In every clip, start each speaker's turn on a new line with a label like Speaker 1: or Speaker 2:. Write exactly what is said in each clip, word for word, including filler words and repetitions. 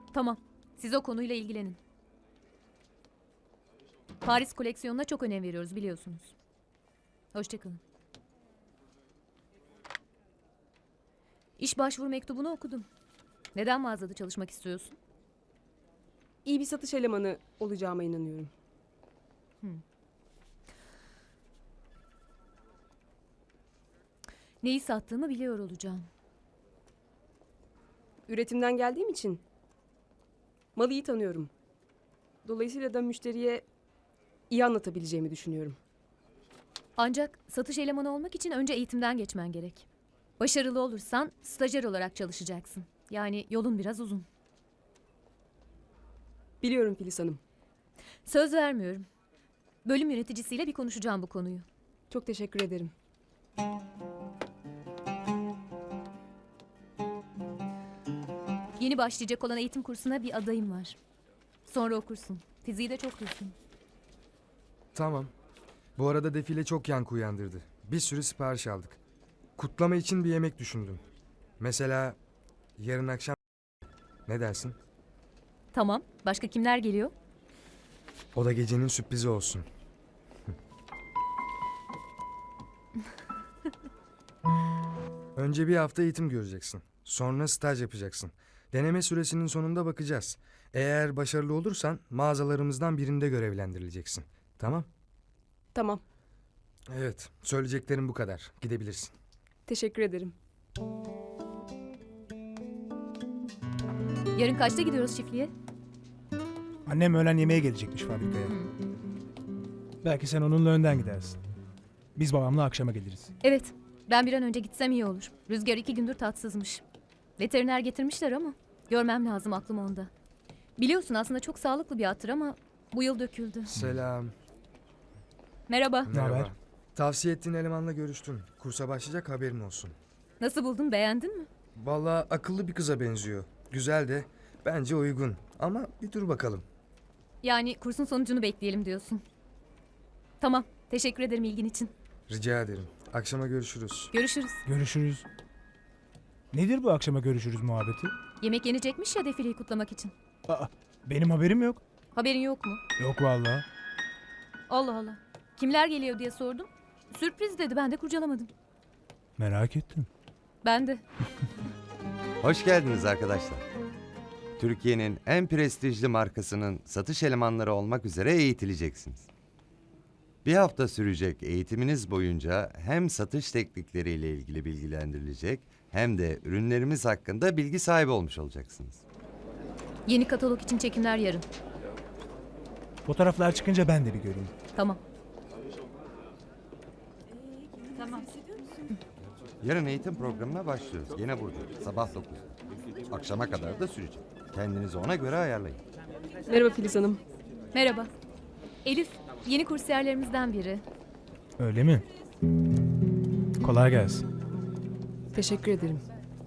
Speaker 1: Tamam. Siz o konuyla ilgilenin. Paris koleksiyonuna çok önem veriyoruz biliyorsunuz. Hoşçakalın. İş başvuru mektubunu okudum. Neden mağazada çalışmak istiyorsun?
Speaker 2: İyi bir satış elemanı olacağıma inanıyorum.
Speaker 1: Neyi sattığımı biliyor olacağım.
Speaker 2: Üretimden geldiğim için malı iyi tanıyorum. Dolayısıyla da müşteriye iyi anlatabileceğimi düşünüyorum.
Speaker 1: Ancak satış elemanı olmak için önce eğitimden geçmen gerek. Başarılı olursan stajyer olarak çalışacaksın. Yani yolun biraz uzun.
Speaker 2: Biliyorum Filiz Hanım.
Speaker 1: Söz vermiyorum. Bölüm yöneticisiyle bir konuşacağım bu konuyu.
Speaker 2: Çok teşekkür ederim.
Speaker 1: Yeni başlayacak olan eğitim kursuna bir adayım var. Sonra okursun. Fiziği de çok düzgün.
Speaker 3: Tamam. Bu arada defile çok yankı uyandırdı. Bir sürü sipariş aldık. Kutlama için bir yemek düşündüm. Mesela yarın akşam... Ne dersin?
Speaker 1: Tamam. Başka kimler geliyor?
Speaker 3: O da gecenin sürprizi olsun. Önce bir hafta eğitim göreceksin. Sonra staj yapacaksın. Deneme süresinin sonunda bakacağız. Eğer başarılı olursan mağazalarımızdan birinde görevlendirileceksin. Tamam?
Speaker 2: Tamam.
Speaker 3: Evet. Söyleyeceklerim bu kadar. Gidebilirsin.
Speaker 2: Teşekkür ederim.
Speaker 1: Yarın kaçta gidiyoruz çiftliğe?
Speaker 4: Annem öğlen yemeğe gelecekmiş fabrikaya. Belki sen onunla önden gidersin. Biz babamla akşama geliriz.
Speaker 1: Evet. Ben bir an önce gitsem iyi olur. Rüzgar iki gündür tatsızmış. Veteriner getirmişler ama görmem lazım, aklım onda. Biliyorsun aslında çok sağlıklı bir attır ama bu yıl döküldü.
Speaker 3: Selam.
Speaker 1: Merhaba.
Speaker 4: Ne haber?
Speaker 3: Tavsiye ettiğin elemanla görüştüm. Kursa başlayacak, haberin olsun.
Speaker 1: Nasıl buldun? Beğendin mi?
Speaker 3: Vallahi akıllı bir kıza benziyor. Güzel de bence uygun. Ama bir dur bakalım.
Speaker 1: Yani kursun sonucunu bekleyelim diyorsun. Tamam. Teşekkür ederim ilgin için.
Speaker 3: Rica ederim. Akşama görüşürüz.
Speaker 1: Görüşürüz.
Speaker 4: Görüşürüz. Nedir bu akşama görüşürüz muhabbeti?
Speaker 1: Yemek yenecekmiş ya defileyi kutlamak için.
Speaker 4: Aa, benim haberim yok.
Speaker 1: Haberin yok mu?
Speaker 4: Yok vallahi.
Speaker 1: Allah Allah. Kimler geliyor diye sordum. Sürpriz dedi, ben de kurcalamadım.
Speaker 4: Merak ettim.
Speaker 1: Ben de.
Speaker 5: Hoş geldiniz arkadaşlar. Türkiye'nin en prestijli markasının satış elemanları olmak üzere eğitileceksiniz. Bir hafta sürecek eğitiminiz boyunca hem satış teknikleriyle ilgili bilgilendirilecek hem de ürünlerimiz hakkında bilgi sahibi olmuş olacaksınız.
Speaker 1: Yeni katalog için çekimler yarın.
Speaker 4: Fotoğraflar çıkınca ben de bir göreyim.
Speaker 1: Tamam. Tamam.
Speaker 5: Yarın eğitim programına başlıyoruz. Yine burada. Sabah dokuzda. Akşama kadar da sürecek. Kendinizi ona göre ayarlayın.
Speaker 2: Merhaba Filiz Hanım.
Speaker 1: Merhaba. Elif, yeni kursiyerlerimizden biri.
Speaker 4: Öyle mi? Kolay gelsin.
Speaker 2: Teşekkür ederim.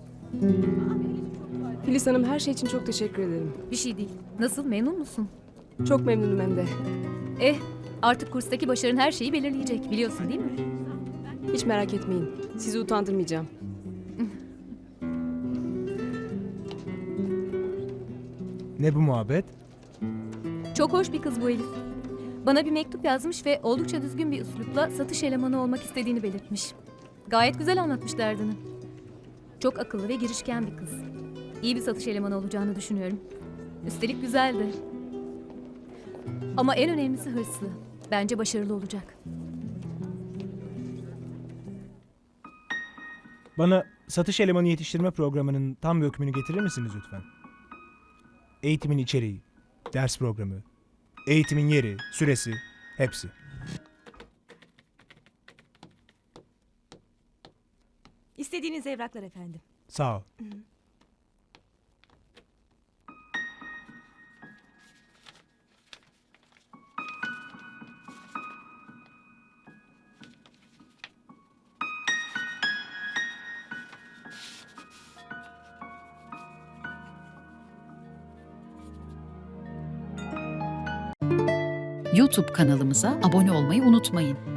Speaker 2: Filiz Hanım, her şey için çok teşekkür ederim.
Speaker 1: Bir şey değil. Nasıl, memnun musun?
Speaker 2: Çok memnunum hem de.
Speaker 1: Eh, artık kurstaki başarın her şeyi belirleyecek. Biliyorsun değil mi?
Speaker 2: Hiç merak etmeyin. Sizi utandırmayacağım.
Speaker 4: Ne bu muhabbet?
Speaker 1: Çok hoş bir kız bu Elif. Bana bir mektup yazmış ve oldukça düzgün bir üslupla satış elemanı olmak istediğini belirtmiş. Gayet güzel anlatmış derdini. Çok akıllı ve girişken bir kız. İyi bir satış elemanı olacağını düşünüyorum. Üstelik güzel de. Ama en önemlisi hırslı. Bence başarılı olacak.
Speaker 4: Bana satış elemanı yetiştirme programının tam bir öykümünü getirir misiniz lütfen? Eğitimin içeriği, ders programı, eğitimin yeri, süresi, hepsi.
Speaker 6: İstediğiniz evraklar efendim.
Speaker 4: Sağ ol.
Speaker 7: YouTube kanalımıza abone olmayı unutmayın.